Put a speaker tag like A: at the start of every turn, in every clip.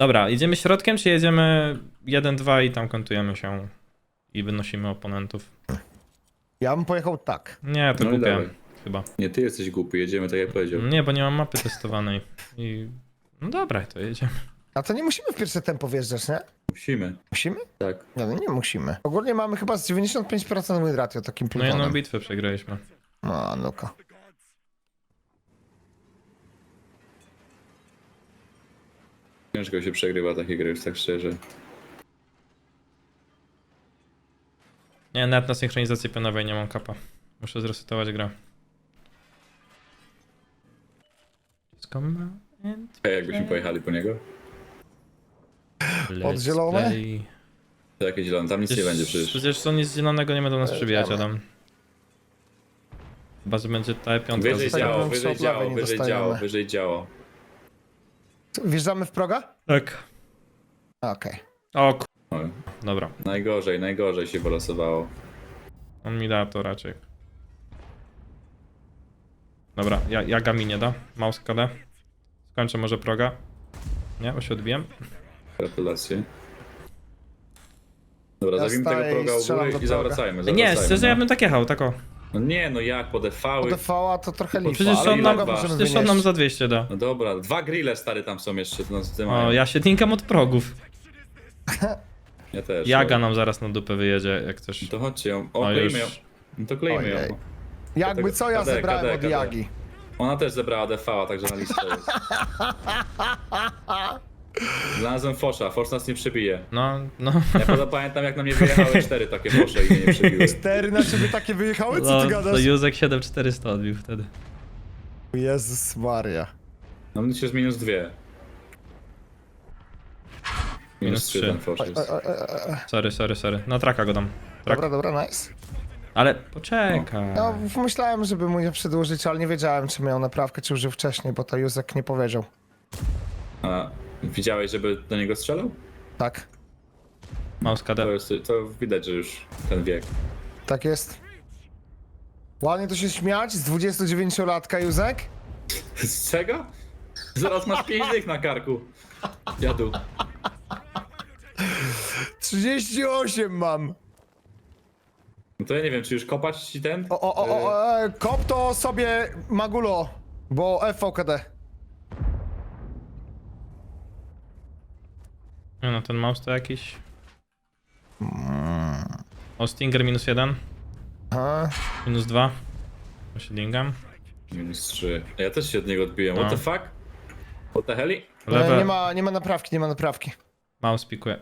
A: Dobra, idziemy środkiem, czy jedziemy 1-2 i tam kontujemy się i wynosimy oponentów?
B: Ja bym pojechał tak.
A: Nie, to
C: No i
A: głupie,
C: dawaj.
A: chyba.
C: Nie, ty jesteś głupi, jedziemy tak jak powiedział.
A: Nie, bo nie mam mapy testowanej. I... No dobra, to jedziemy.
B: A to nie musimy w pierwsze tempo wjeżdżać, nie?
C: Musimy.
B: Musimy?
C: Tak.
B: Nie, no nie musimy. Ogólnie mamy chyba z 95% win ratio takim
A: No jedną
B: plutonem.
A: bitwę przegraliśmy.
B: No, nuka.
C: Ciężko się przegrywa takie gry, już tak szczerze.
A: Nie, nawet na synchronizacji pionowej nie mam kapa. Muszę zresetować grę.
C: Jakbyśmy pojechali po niego?
B: Od zielone?
C: To jakieś zielone, tam nic nie będzie przecież.
A: Przecież to nic zielonego nie będą nas przybijać, Adam. Chyba, że będzie ta piątka.
C: Wyżej
B: Zostajemy
C: działo,
B: w
C: wyżej
B: Soplawie,
C: działo,
B: nie
C: wyżej
B: dostajemy.
C: działo, wyżej działo.
B: Wjeżdżamy w proga?
A: Tak.
B: Okej.
A: O
C: Oj,
A: Dobra,
C: najgorzej się wylosowało.
A: on mi da to raczej. Dobra, ja gami nie da. Mouse KD. Skończę może proga. Nie, bo się odbiłem.
C: Gratulacje. Dobra,
B: Ja
C: zabijmy tego
B: staję i
C: proga u
B: strzelam
C: góry
B: do
C: i
B: proga.
C: zawracajmy.
A: Nie, szczerze
C: no.
A: ja bym tak jechał, tako.
C: No nie, no jak, po defały.
B: UDV-a to trochę lipa,
A: Przecież
B: ale
A: on nam,
B: proga możemy
A: przecież on nam
B: wynieść.
A: za 200 da.
C: No dobra, 2 grille stary tam są jeszcze, no z tym
A: O,
C: mają.
A: ja się tinkam od progów.
C: Ja też.
A: Jaga
C: no.
A: nam zaraz na dupę wyjedzie, jak coś.
C: To chodźcie ją. O,
A: O,
C: klejmy
A: już.
C: ją. No to klejmy
B: Ojej.
C: ją.
B: Jakby co ja
C: KD,
B: zebrałem
C: KD,
B: od
C: KD.
B: Jagi.
C: Ona też zebrała DV-a, także na listę jest. Znalazłem Fosza, Fosz nas nie przebije.
A: No.
C: Ja pamiętam jak na mnie wyjechały 4 takie Fosze i mnie nie przebiły.
B: 4 na ciebie takie wyjechały? Co
A: No,
B: ty
A: to
B: gadasz?
A: Józek 7400 odbił wtedy.
B: Jezus Maria.
C: No mnie się z minus 2. Minus 3 ten Fosz jest.
A: Sorry. Na traka go dam. Trak.
B: Dobra, nice.
A: Ale poczekaj.
B: No, myślałem, żeby mu je przedłużyć, ale nie wiedziałem, czy miał naprawkę, czy użył wcześniej, bo to Józek nie powiedział.
C: A widziałeś, żeby do niego strzelał?
B: Tak,
A: Mouse KD.
C: To widać, że już ten wiek.
B: tak jest. Ładnie to się śmiać z 29-latka, Józek?
C: Z czego? Zaraz masz 5 dych na karku. Jadu.
B: 38 mam.
C: No to ja nie wiem, czy już kopać ci ten?
B: Kop to sobie Magulo, bo FVKD.
A: Nie no, ten mouse to jakiś... O, Stinger -1.
B: Aha.
A: -2. To się dingam.
C: Minus 3. Ja też się od niego odbiłem. What
A: No.
C: the fuck? What the heli?
A: Lewe.
B: Nie ma naprawki.
A: Mouse pikuje.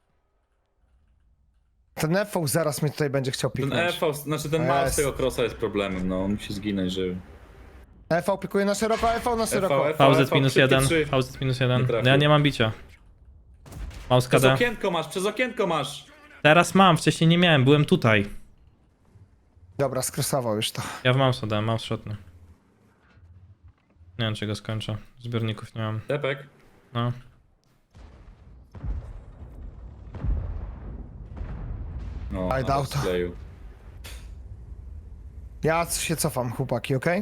B: Ten FV zaraz mnie tutaj będzie chciał
C: Ten
B: piknąć.
C: EV, znaczy ten mouse
B: Jest.
C: tego crossa jest problemem, no on musi zginąć, żeby...
B: FV pikuje na szeroko, FV na szeroko.
C: FV.
A: VZ -1.
C: szybkie 3.
A: VZ
C: Nie
A: -1.
C: trafił.
A: No ja nie mam bicia. Mouse
C: Przez
A: KD.
C: okienko masz, przez okienko masz!
A: Teraz mam, wcześniej nie miałem, byłem tutaj.
B: Dobra, skresował już to.
A: Ja w mouse dałem, mouse shotny. Nie wiem, czy go skończę. Zbiorników nie mam.
C: Tepek.
A: No.
C: No,
B: Aj, dał to.
C: skleił.
B: Ja się cofam, chłopaki, okej?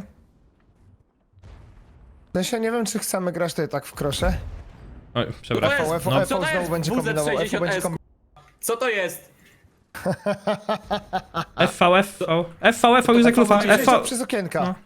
B: No się nie wiem, czy chcemy grać tutaj tak w krosze.
A: Oj, przepraszam.
C: To jest-
B: FV
A: No.
C: Co to
B: znowu
C: jest
B: będzie kombinował, FV będzie
C: WZ60S?
B: kombinował.
C: Co to jest?
A: FV, Józek Lufa, FV.
B: Przez okienka.
A: No.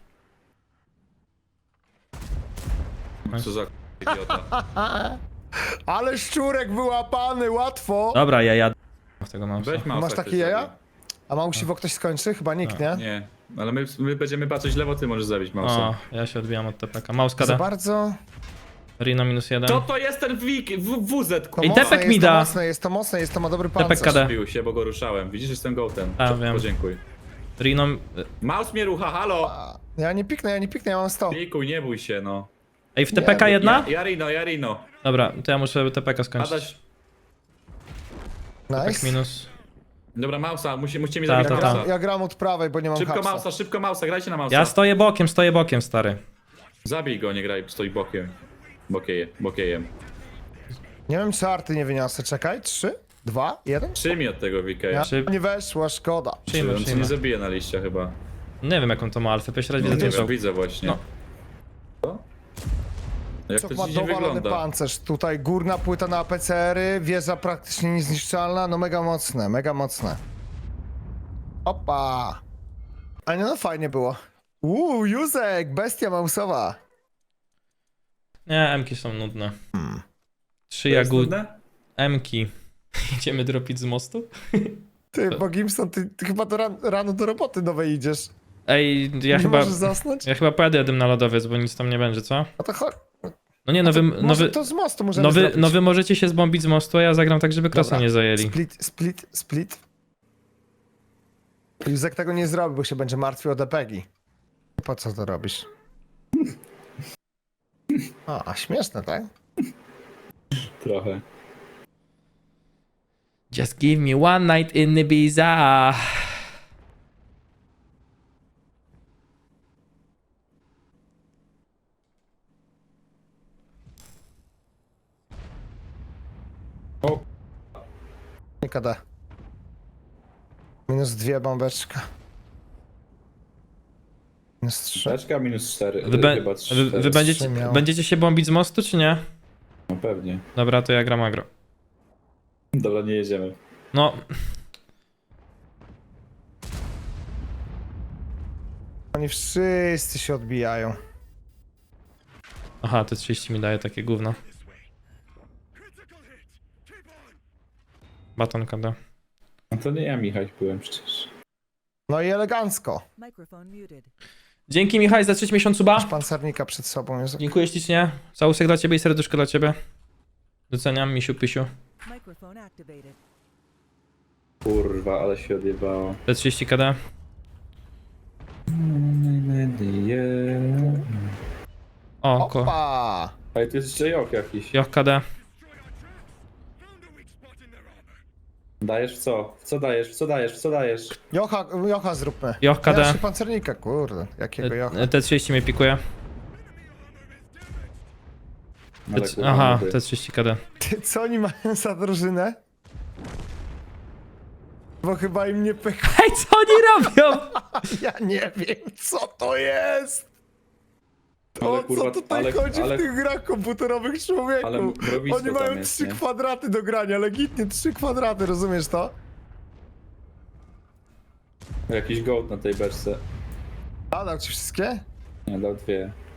C: Co za idiota.
B: Ale szczurek wyłapany, łatwo.
A: Dobra, ja jadę w tego mouse'a.
C: Weź mouse'a,
B: Masz takie
C: ktoś
B: jaja?
C: zabij.
B: A Mausiwo ktoś skończy? Chyba nikt, nie?
C: Nie, ale my będziemy patrzeć lewo, ty możesz zabić
A: O,
C: mouse'a.
A: ja się odbijam od TPK. Mouse
B: Za
A: KD.
B: bardzo...
A: Rino -1.
C: Co to jest ten WZ?
B: To
A: I
B: mocne
A: tepek
B: jest,
A: mi
B: to
A: da.
B: mocne jest, to ma dobry
A: Tepek
B: pancerz.
A: KD.
C: Bił się, bo go ruszałem. Widzisz, jestem gołtem.
A: A, wiem.
C: Podziękuj.
A: Rino...
C: Mouse mnie rucha, halo!
B: Ja nie piknę, ja mam 100.
C: Pikuj, nie bój się, no.
A: Ej, w TPK
B: Nie,
A: jedna?
C: Jarino.
A: Dobra, to ja muszę TPK skończyć.
C: Adaś.
A: TPK
B: Nice.
A: minus.
C: Dobra, Mausa, musicie mi
A: Ta,
C: zabić
A: ta, ta.
C: Mausa.
B: Ja gram od prawej, bo nie mam hapsa.
C: Szybko Mausa, grajcie na Mausa.
A: Ja stoję bokiem, stary.
C: Zabij go, nie graj, stoi bokiem. Bokiejem.
B: Nie wiem, czy arty nie wyniosę. Czekaj, 3, 2, 1.
C: Przyjmij od tego VK.
B: Ja,
A: Czy-
B: nie weszła, szkoda.
A: Przyjmę.
C: On cię nie zabije na liście chyba.
A: Nie wiem jaką to ma alfę, pierwszy raz
C: Nie
A: widzę
C: wiem,
A: tym
C: widzę właśnie.
A: No.
C: Co? Jak to
B: Co ma
C: dziwnie
B: dowalony
C: wygląda.
B: pancerz. Tutaj górna płyta na APCR-y, wieża praktycznie niezniszczalna, no mega mocne, mega mocne. Opa! A nie, no fajnie było. Józek, bestia mausowa.
A: Nie, M-ki są nudne. 3
C: To jest
A: jagód...
C: trudne?
A: M-ki. Idziemy dropić z mostu?
B: Ty, bo Gimson, ty chyba rano do roboty nowej idziesz.
A: Ej, ja
B: Nie
A: chyba...
B: możesz zasnąć?
A: Ja chyba pojadę na lodowiec, bo nic tam nie będzie, co?
B: No to chodź.
A: No nie, no
B: Może to z mostu możemy zrobić.
A: no wy możecie się zbombić z mostu, a ja zagram tak, żeby krosa
B: Dobra.
A: nie zajęli.
B: Split. Józek tego nie zrobi, bo się będzie martwił o depegi. Po co to robisz? A śmieszne, tak?
C: Trochę.
A: Just give me one night in Ibiza.
C: O,
B: Nie KD. -2 bombeczka. -3.
C: beczka minus 4.
A: Wy, be,
C: Chyba
A: wy będziecie,
B: miał.
A: będziecie się bombić z mostu, czy nie?
C: No pewnie.
A: Dobra, to ja gram agro.
C: Dobra, nie jedziemy.
A: No,
B: Oni wszyscy się odbijają.
A: aha, te 30 mi daje takie gówno. Baton KD.
C: No to nie ja, Michał, byłem przecież.
B: No i elegancko.
D: Microphone muted.
A: Dzięki Michał za 3 miesiąc suba.
B: Masz pancernika przed sobą, Józek.
A: Dziękuję ślicznie. Całusek dla ciebie i serduszko dla ciebie. Doceniam, misiu, pysiu.
D: Microphone activated.
C: Kurwa, ale się odjebało.
A: Te 30 KD. O,
B: Opa!
C: Ale tu jest jeszcze Jok jakiś.
A: Joch KD.
C: Dajesz w co? W co dajesz? W co dajesz? W co dajesz?
B: Jocha zróbmy.
A: Joch KD.
B: Ja się pancernika, kurde. Jakiego Jocha?
A: Te 30 mnie pikuje.
C: Ale kurwa,
A: Aha,
C: nudy.
A: te 30 KD.
B: Ty, co oni mają za drużynę? Bo chyba im nie pykło.
A: Hej, co oni robią?
B: Ja nie wiem, co to jest!
C: Ale
B: O
C: kurwa,
B: co tutaj chodzi w tych grach komputerowych, człowieku?
C: ale mrowisko
B: Oni
C: tam
B: mają
C: jest,
B: 3
C: nie?
B: kwadraty do grania, legitnie 3 kwadraty, rozumiesz to?
C: Jakiś gołd na tej beczce.
B: A, dał ci wszystkie?
C: Nie, dał 2.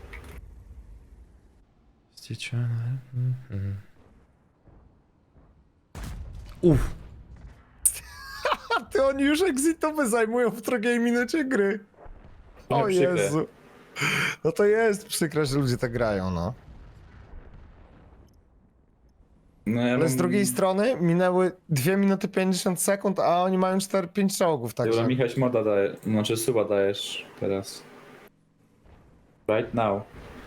A: Uff.
B: A ty oni już exitowe zajmują w drugiej minucie gry.
C: No,
B: O
C: przykre.
B: Jezu. No to jest przykre, że ludzie tak grają, no.
C: No ja
B: Ale z
C: mam-
B: drugiej strony minęły 2 minuty 50 sekund, a oni mają 5 czołgów,
C: Dobra,
B: także...
C: Michał moda daje, znaczy suba dajesz teraz. Right now.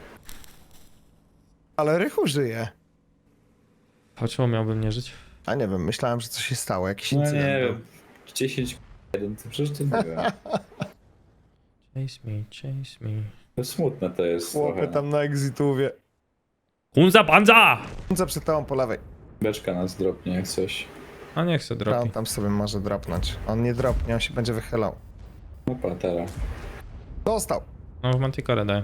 B: Ale Rychu żyje.
A: A czemu miałbym nie żyć?
B: A nie wiem, myślałem, że coś się stało, jakiś
C: No
B: incydent
C: nie
B: był.
C: wiem. 10 1, to przecież to nie wiem.
A: Chase me.
C: To smutne to jest
B: Chłopy
C: trochę.
B: tam na exitówie.
A: Hunza panza!
B: Za przed tobą po lewej.
C: Beczka nas dropnie jak coś.
A: A niech se
B: On
A: dropi.
B: tam sobie może dropnąć. On nie dropnie, on się będzie wychylał.
C: No patera.
B: Dostał.
A: No w Manticore daje.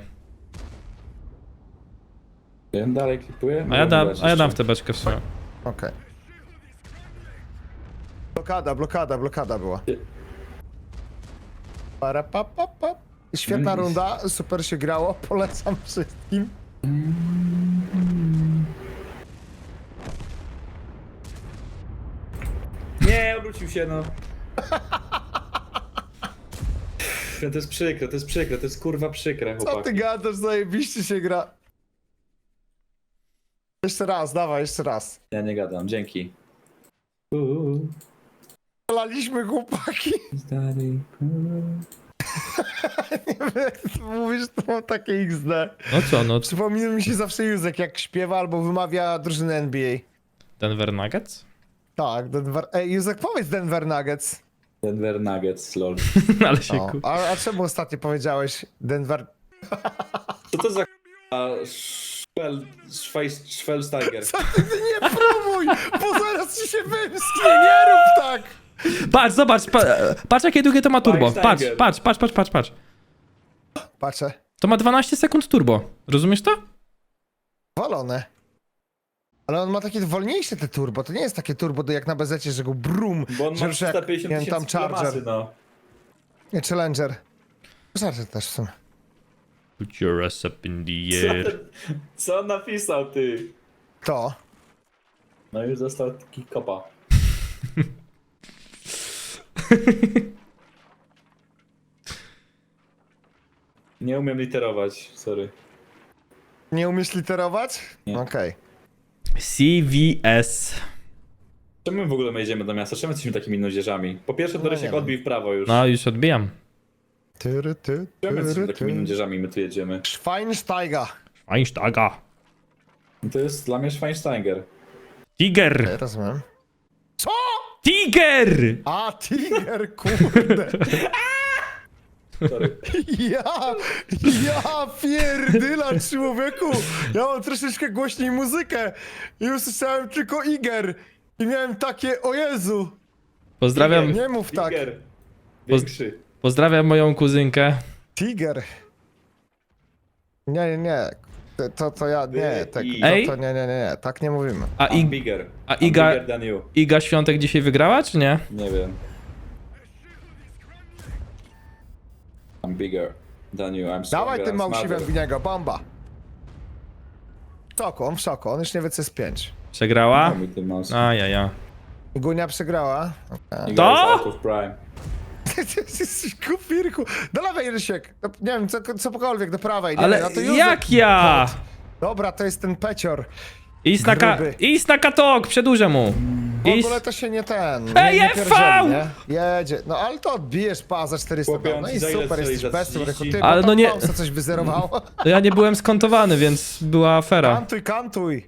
C: Ja dalej klipuję?
A: A ja dam
C: Jeszcze.
A: w tę beczkę w sumie.
B: Okej. Blokada była.
C: Nie.
B: Para, pa, pa, pa. Świetna
C: No i-
B: runda, super się grało, polecam wszystkim.
C: Nie, obrócił się no. To jest przykre, to jest przykre, to jest kurwa przykre,
B: Co
C: chłopaki.
B: ty gadasz, zajebiście się gra. Jeszcze raz, dawaj, jeszcze raz.
C: Ja nie gadam, dzięki.
B: Laliśmy chłopaki.
C: Stary.
B: Mówisz, to mam takie XD.
A: No co, no
B: Przypomina mi się zawsze Józek, jak śpiewa albo wymawia drużynę NBA.
A: Denver Nuggets?
B: Tak, Denver... Ej, Józek, powiedz Denver Nuggets.
C: Denver Nuggets, lol.
A: Ale się
B: O, a czemu ostatnio powiedziałeś Denver...
C: Co to za Schwelsteiger?
B: Co ty nie próbuj, bo zaraz ci się wymsknie, nie rób tak!
A: Patrz, zobacz, patrz jakie długie to ma turbo. Patrz,
C: Steiger.
A: patrz.
B: Patrzę.
A: To ma 12 sekund turbo. Rozumiesz to?
B: Walone. Ale on ma takie wolniejsze te turbo, to nie jest takie turbo jak na bezecie, że go brum,
C: Bo on
B: że
C: ma
B: już jak,
C: 350
B: nie wiem, tam
C: tysięcy
B: Charger.
C: masy, no.
B: Nie, Challenger. Charger też w sumie.
A: Put your ass up in the
C: Co,
A: air.
C: co on napisał, ty?
B: To.
C: No już został taki kopa. Nie umiem literować, sorry.
B: Nie umiesz literować?
C: Nie.
B: Okej.
A: CVS.
C: Czemu my w ogóle my jedziemy do miasta? Czemu jesteśmy takimi nudzieżami? Po pierwsze, to
B: No
C: Rysiek
B: nie wiem.
C: odbij w prawo już.
A: No, już odbijam.
B: Tyry, ty,
C: Czemu jesteśmy
B: tyry,
C: takimi
B: ty.
C: nudzieżami my tu jedziemy?
B: Schweinsteiger.
A: Einsteiger.
C: No to jest dla mnie Schweinsteiger.
A: Tiger.
B: Ja rozumiem. Co?
A: Tiger!
B: A, Tiger, kurde.
C: Sorry.
B: Ja pierdyla, człowieku. Ja mam troszeczkę głośniej muzykę i usłyszałem tylko Iger. I miałem takie, o Jezu.
A: Pozdrawiam,
B: Nie mów tak.
C: Tiger. Większy.
A: pozdrawiam moją kuzynkę.
B: Tiger. Nie. To ja, nie, tak,
A: Ej?
B: to nie, tak nie mówimy.
A: A,
C: I'm bigger.
A: a
C: I'm
A: Iga-
C: bigger than you.
A: Iga Świątek dzisiaj wygrała, czy nie?
C: Nie wiem. I'm bigger than you. I'm stronger,
B: Dawaj tym
C: I'm
B: małsiwem
C: smarter.
B: w niego, bomba. W szoku, on już nie wie co jest 5.
A: Przegrała?
C: Daj mi ten mouse.
A: Ajaja.
B: Gunia przegrała. Okay.
C: Iga
A: To?
C: is out of prime.
B: Kupirku. Do lewej, Rysiek. Nie wiem, cokolwiek, do prawej. Nie,
A: Ale
B: no to Józef.
A: jak ja?
B: Dobra, to jest ten pecior.
A: Idź
B: Gruby.
A: idź na katok, przedłużę mu.
B: W ogóle to się nie ten.
A: Ej,
B: nie
A: FV!
B: pierdzieli, nie? Jedzie. No ale to odbijesz pa za 400.
C: Chłopie, on
B: No
C: ci
B: i
C: za ile
B: super,
C: strzeli?
B: jesteś
C: Za
B: bestą, Rychu.
C: 30?
B: Ty,
A: Ale
B: bo
A: no
B: tam
A: nie-
B: Mausa coś wyzerowało.
A: To ja nie byłem skontowany, więc była afera.
B: Kantuj.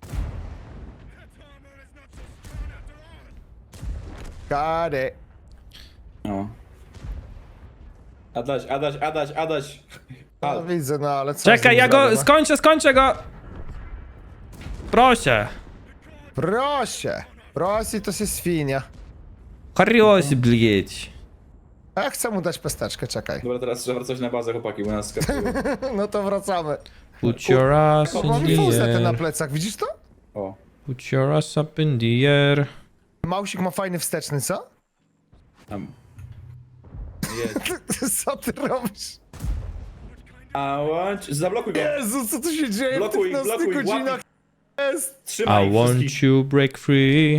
B: Got it.
C: No. Adaś.
B: No widzę, no ale co z
A: Czekaj,
B: nim
A: ja go
B: zrobię, no?
A: skończę go. Proszę.
B: Prosi to się świnia.
A: Harrios, blieć.
B: A ja chcę mu dać pesteczkę, czekaj.
C: Dobra, teraz trzeba wracać na bazę, chłopaki, bo nas skakują.
B: No to wracamy.
A: Put your ass
B: O,
A: in
B: mam
A: the
B: fuzę na
A: air.
B: plecach, widzisz to?
C: O.
A: Put your ass up in the air.
B: Mausik ma fajny wsteczny, co?
C: Tam. Jedź.
B: Co ty robisz?
C: Zablokuj go.
B: Jezu, co tu się dzieje
C: Blokuj,
B: w tych nocnych
C: blokuj,
B: godzinach? Jest.
C: Trzymaj
A: I
C: ich
A: want
C: wszystkich.
A: you break free.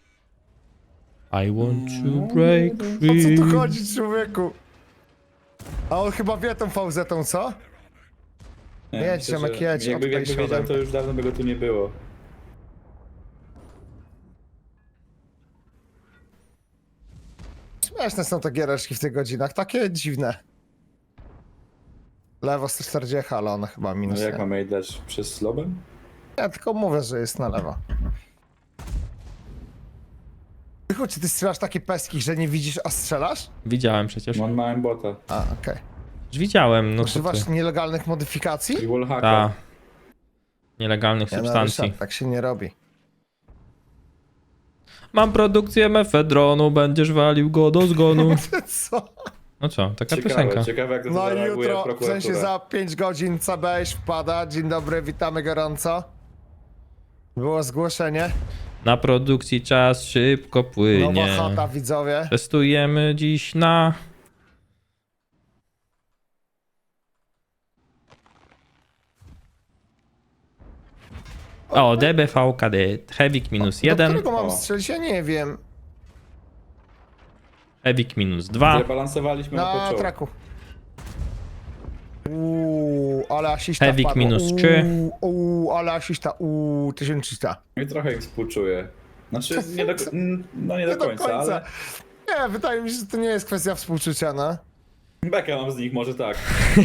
A: I want to break
B: O co
A: free.
B: tu chodzi, człowieku? A on chyba wie tą fauzetą, co?
C: Nie,
B: Jedź,
C: myślę,
B: Ziomek,
C: że
B: jedź,
C: Jakby
B: odpaj
C: wiedział,
B: siodem.
C: to już dawno by go tu nie było.
B: Śmieszne są te giereczki w tych godzinach, takie dziwne. Lewo 140, ale one chyba
C: No
B: minus
C: jak
B: nie.
C: mamy jej dać? Przez lobem?
B: Ja tylko mówię, że jest na lewo. Tylko czy ty strzelasz takie peski, że nie widzisz, a strzelasz?
A: Widziałem przecież.
C: On ma bota.
B: A, okej.
A: Już widziałem, no co ty.
B: Używasz nielegalnych modyfikacji?
C: I wallhacka.
A: Ta. Nielegalnych
B: Nie, no,
A: substancji.
B: Ryszard, tak się nie robi.
A: Mam produkcję mefedronu, będziesz walił go do zgonu.
B: Co?
A: No co, taka piosenka.
C: Ciekawe jak to
B: No i
C: zareaguje
B: jutro, w
C: prokuratura.
B: sensie za 5 godzin CBŚ wpada. Dzień dobry, witamy gorąco. Było zgłoszenie.
A: Na produkcji czas szybko
B: Nowa
A: płynie.
B: chata, widzowie.
A: Testujemy dziś na... O, DBV kadet. Hewik minus
B: Do
A: 1,
B: którego mam
C: O.
B: strzelić? Ja nie wiem.
A: Hewik minus 2.
C: Zrebalansowaliśmy na
B: Na
C: poczoł.
B: traku. Ale asista
A: Hewik
B: wpadło.
A: minus 3.
B: Ale asista. 1300.
C: I trochę ich współczuję. Znaczy, nie do, no nie do końca, ale...
B: Nie, wydaje mi się, że to nie jest kwestia współczucia, no.
C: Bekę mam z nich, może tak.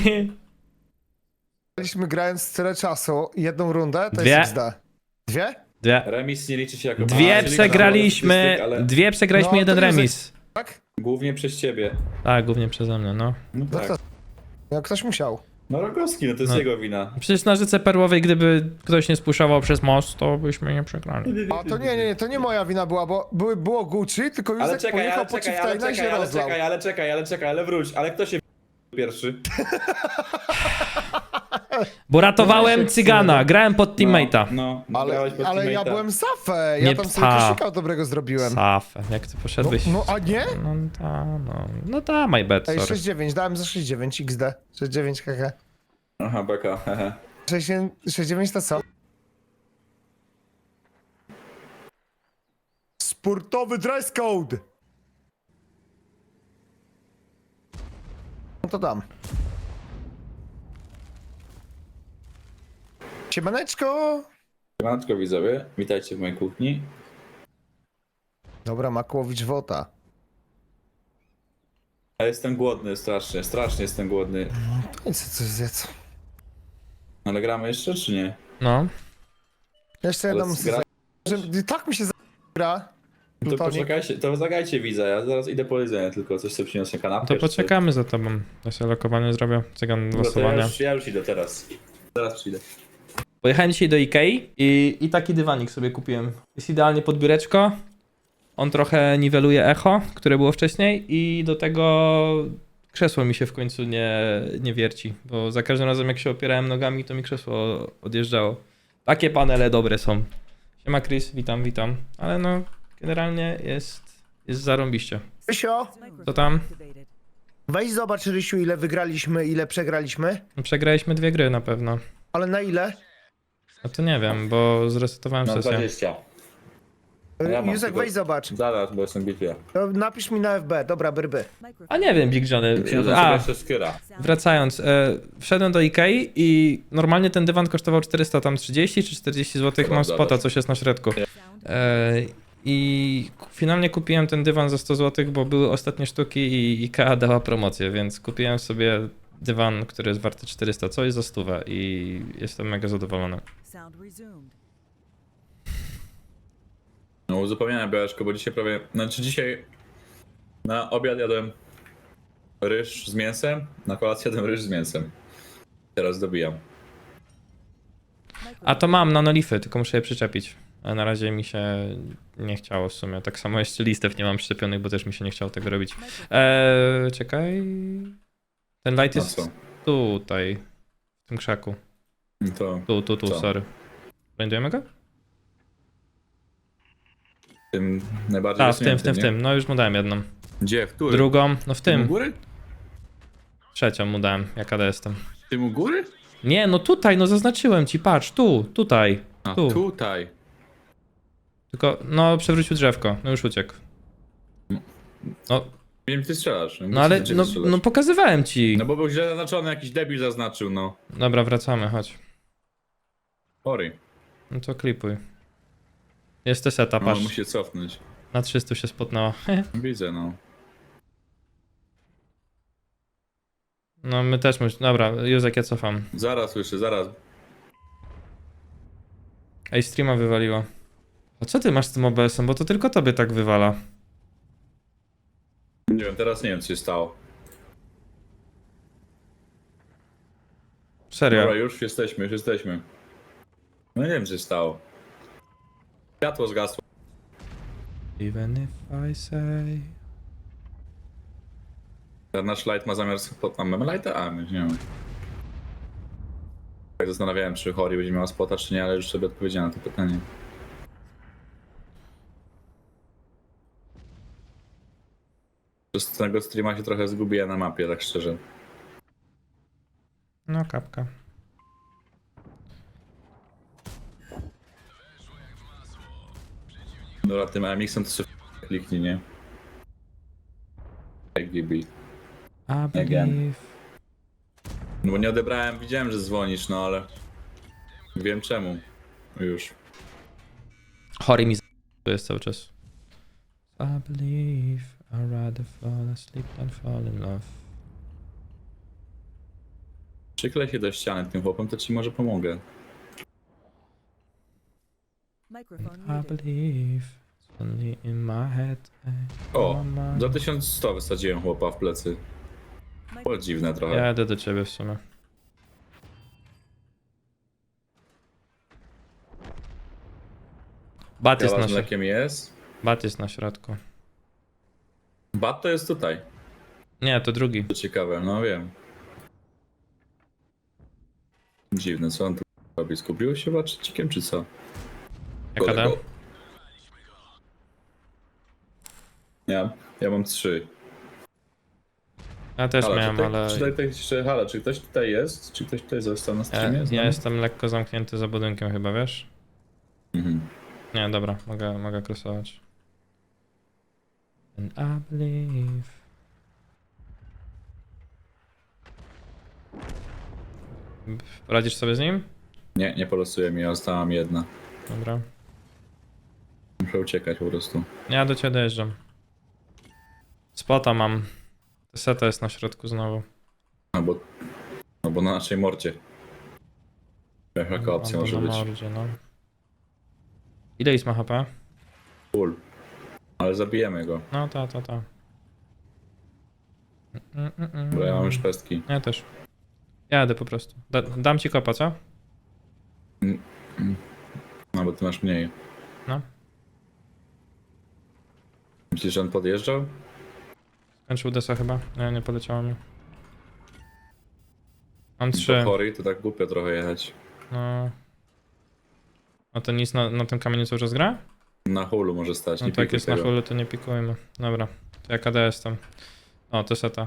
B: Byliśmy grając tyle czasu, jedną rundę, to
A: Dwie.
B: jest XD. Dwie?
A: Dwie.
C: Remis nie liczy się jako...
A: Dwie
C: A, czyli
A: przegraliśmy,
C: statystyk, ale
A: dwie przegraliśmy,
B: No,
A: jeden
B: to jest-
A: remis.
B: Tak?
C: głównie przez ciebie.
A: Tak, głównie przeze mnie, no.
C: No
B: No
C: tak.
B: to... No ktoś musiał.
C: No Rogowski, no to jest
A: No.
C: jego wina.
A: Przecież na Rzece Perłowej, gdyby ktoś nie spuszował przez most, to byśmy nie przegrali.
B: A to nie, to nie moja wina była, bo było Gucci, tylko
C: Ale
B: Józek
C: czekaj,
B: pojechał
C: ale
B: po
C: czekaj,
B: Chieftaina i się rozlał.
C: ale wróć, ale kto się pierwszy?
A: Bo ratowałem cygana, grałem pod teammate'a.
C: No,
B: Ale,
C: grałeś pod
B: ale ja
C: teammate'a.
B: byłem safę, ja
A: Nie
B: tam sobie
A: psa.
B: koszyka dobrego zrobiłem.
A: Safę, jak ty poszedłeś?
B: No a nie?
A: No ta, my bad,
B: Ej,
A: sorry.
B: 6-9, dałem za 6-9 XD. 6-9 hehe.
C: Aha, beka, hehe.
B: 6-9 to co? Sportowy dress code! No to dam. Siemaneczko!
C: Siemaneczko widzowie, witajcie w mojej kuchni.
B: Dobra, Makłowicz Wota.
C: Ja jestem głodny strasznie, strasznie jestem głodny.
B: No i co zjedz?
C: Ale gramy jeszcze czy nie?
A: No.
B: Jeszcze
C: Ale
B: jedną...
C: gra...
B: Że tak mi się gra.
C: To
B: Plutonik.
C: poczekajcie, to zagajcie widza, ja zaraz idę po jedzenie, tylko coś sobie przyniosę kanapkę.
A: To poczekamy za tobą. Ja sobie lokowanie zrobię, cygan
C: No to
A: losowania.
C: ja już idę teraz. Zaraz przyjdę.
A: Pojechałem dzisiaj do Ikei i taki dywanik sobie kupiłem. Jest idealnie pod biureczko. On trochę niweluje echo, które było wcześniej i do tego krzesło mi się w końcu nie wierci, bo za każdym razem jak się opierałem nogami, to mi krzesło odjeżdżało. Takie panele dobre są. Siema Chris, witam. Ale no, generalnie jest zarąbiście.
B: Rysio,
A: Co tam?
D: Activated.
B: weź zobacz Rysiu, ile wygraliśmy, ile przegraliśmy.
A: Przegraliśmy 2 gry na pewno.
B: Ale na ile?
A: No to nie wiem, bo zresetowałem
C: No
A: sesję.
C: 20. Ja mam
B: Józek,
C: tylko-
B: weź zobacz.
C: Zaraz, bo jestem bitwie.
B: To napisz mi na FB, dobra, brby.
A: A nie wiem, Big Johnny.
C: Przyniosę sobie
A: A,
C: jeszcze skyra.
A: wracając, wszedłem do Ikei i normalnie ten dywan kosztował 430 czy 40 zł, mam
C: Dobra,
A: spota,
C: dobra.
A: coś jest na środku.
D: Sound
A: I finalnie kupiłem ten dywan za 100 zł, bo były ostatnie sztuki i Ikea dała promocję, więc kupiłem sobie dywan, który jest warty 400, co jest za 100 i jestem mega zadowolony.
D: sound resumed.
C: No uzupełniałem białeczko, bo dzisiaj prawie... Znaczy dzisiaj na obiad jadłem ryż z mięsem, na kolację jadłem ryż z mięsem. Teraz dobijam.
A: A to mam nanolify, tylko muszę je przyczepić. A na razie mi się nie chciało w sumie. Tak samo jeszcze listew nie mam przyczepionych, bo też mi się nie chciało tego robić. Czekaj. Ten light
C: No
A: jest
C: co?
A: tutaj, w tym krzaku.
C: To
A: Tu,
C: Co?
A: sorry. Blindujemy go?
C: tym najbardziej
A: Tak, w
C: wysuniętym, nie?
A: tym. No już mu dałem jedną.
C: Gdzie? W którym?
A: Drugą, no w
C: U
A: tym.
C: góry?
A: Trzecią mu dałem, jaka jestem.
C: Tym u góry?
A: Nie, no tutaj, no zaznaczyłem ci, patrz, tutaj.
C: A
A: Tu.
C: tutaj.
A: Tylko, no przewrócił drzewko, no już uciekł. No,
C: Nie wiem, ty strzelasz.
A: no ale, no pokazywałem ci.
C: No bo był źle zaznaczony, jakiś debil zaznaczył, no.
A: Dobra, wracamy, chodź.
C: Sorry.
A: No to klipuj. Jest te seta,
C: No,
A: patrz.
C: musi się cofnąć.
A: Na 300 się spotnęła.
C: Widzę, no.
A: No my też musimy. Dobra, Józek, ja cofam.
C: Zaraz słyszę, zaraz.
A: Ej, streama wywaliło. A co ty masz z tym OBS-em? Bo to tylko tobie tak wywala.
C: Nie wiem, teraz nie wiem, co się stało.
A: Serio.
C: Dobra, już jesteśmy. No nie wiem, co się stało. Światło zgasło.
A: Even if I say...
C: Nasz light ma zamiar... Mamy lighta? A, my nie mamy. Tak zastanawiałem, czy Hori będzie miała spota, czy nie, ale już sobie odpowiedziałem na to pytanie. Przez tego streama się trochę zgubiłem na mapie, tak szczerze.
A: No, kapka.
C: Dobra, tym AMX-em to sobie kliknij, nie? GB.
A: I believe...
C: No bo nie odebrałem, widziałem, że dzwonisz, no ale... Wiem czemu. Już.
A: Chory mi to jest cały czas. I believe I'd rather fall asleep than fall in love.
C: Przyklej się do ściany tym chłopem, to ci może pomogę.
D: Microphone
A: I
D: muted.
A: believe it's only in my head.
C: O, za 1100 wysadziłem chłopa w plecy. Było dziwne trochę.
A: Ja jadę do ciebie w sumie. Bat jest
C: Kała
A: na
C: z
A: środku.
C: mlekiem jest.
A: Bat jest na środku.
C: Bat to jest tutaj.
A: Nie, to drugi.
C: To ciekawe, no wiem. Dziwne, co on tu robi? Skupił się baczycikiem, czy co?
A: Jaka da?
C: Kolego. Ja mam 3.
A: Ja też
C: Hala,
A: miałem, ale
C: czy ktoś tutaj jest? Czy ktoś tutaj został na
A: ja,
C: streamie? z
A: ja
C: nami?
A: jestem lekko zamknięty za budynkiem chyba, wiesz?
C: Mhm.
A: Nie, dobra, mogę krosować. And I believe. Poradzisz sobie z nim?
C: Nie polosuje mi, ja zostałam jedna.
A: Dobra.
C: Muszę uciekać po prostu.
A: Ja do ciebie dojeżdżam. Spota mam. Seta jest na środku znowu.
C: No bo na naszej mordzie. Jaka opcja
A: Albo
C: może
A: na
C: być?
A: mordzie, no. Ile jest ma HP?
C: Full. Ale zabijemy go,
A: No, ta.
C: bo ja mam już pestki.
A: Ja też. Jadę po prostu. Dam ci kopa, co?
C: No bo ty masz mniej.
A: No.
C: Myślisz, że on podjeżdżał?
A: Skończył desa chyba. Nie poleciało mi. Mam
C: To
A: 3.
C: chory, to tak głupio trochę jechać.
A: No. A to nic na tym kamieniu cały czas gra?
C: Na hulu może stać,
A: No
C: nie
A: tak
C: pikuj
A: jest na
C: tego.
A: hulu, to nie pikujmy. Dobra. To ja KD jestem. O, to seta.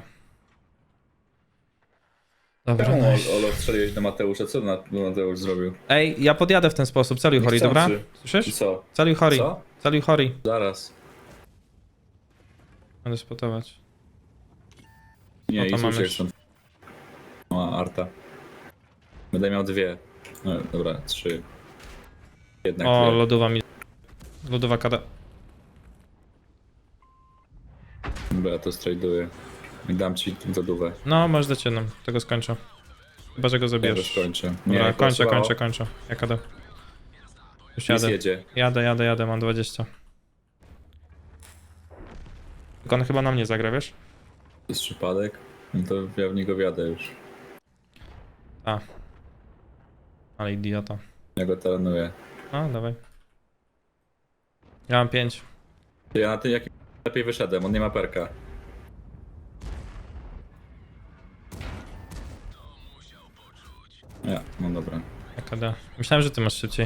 A: Dobra.
C: Czemu
A: nice.
C: Olo strzeliłeś do Mateusza? Co Mateusz zrobił?
A: Ej, ja podjadę w ten sposób. Celuj Hori, dobra?
C: Niechcący. I
A: Słyszysz?
C: co?
A: Celuj Hori.
C: Co?
A: Celuj Hori.
C: Zaraz.
A: Będę spotować.
C: Nie,
A: No to
C: i
A: mamy
C: słyszę stąd. O, Arta. Będę miał 2. No, dobra, 3. Jednak
A: O,
C: 2.
A: lodowa mi. Lodowa KD.
C: Dobra, ja to straduję. I dam ci lodówę.
A: No, możesz dać jedną. Tego skończę. Chyba, że go
C: Ja
A: zabijesz.
C: już kończę.
A: Dobra,
C: głosowało.
A: kończę. Ja KD. Już
C: Lis
A: jadę.
C: jedzie.
A: Jadę, mam 20. Tylko on chyba na mnie zagra, wiesz?
C: To jest przypadek. No to ja w niego wjadę już.
A: A. Ale idiota.
C: Ja go taranuję.
A: No, dawaj. Ja mam 5.
C: Ja na tym jakim lepiej wyszedłem, on nie ma perka. Ja, no dobra.
A: KD. Myślałem, że ty masz szybciej.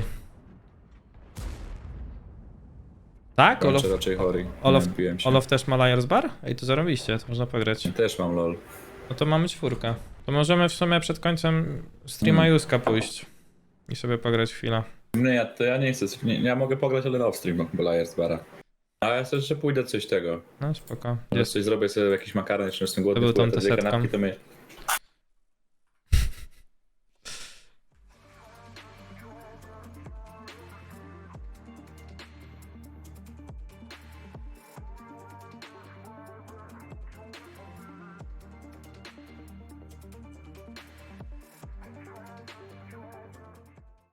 A: Tak? Olof,
C: Kończę raczej chory.
A: Olof,
C: Nie odbiłem się.
A: Olof też ma Liars Bar? Ej, to zarobiście, to można pograć.
C: Ja też mam lol.
A: No to mamy 4. To możemy w sumie przed końcem streama Juska pójść. I sobie pograć chwilę.
C: Nie, to ja nie chcę. Nie, ja mogę pograć ale off stream, bo Liars Bara. A ja sobie jeszcze pójdę coś tego.
A: No spoko.
C: Może
A: Jest.
C: coś zrobię sobie jakiś makaron, jeszcze jestem głodny.
A: To był
C: wpływam
A: tam
C: te dwie
A: setką.
C: kanapki, to mnie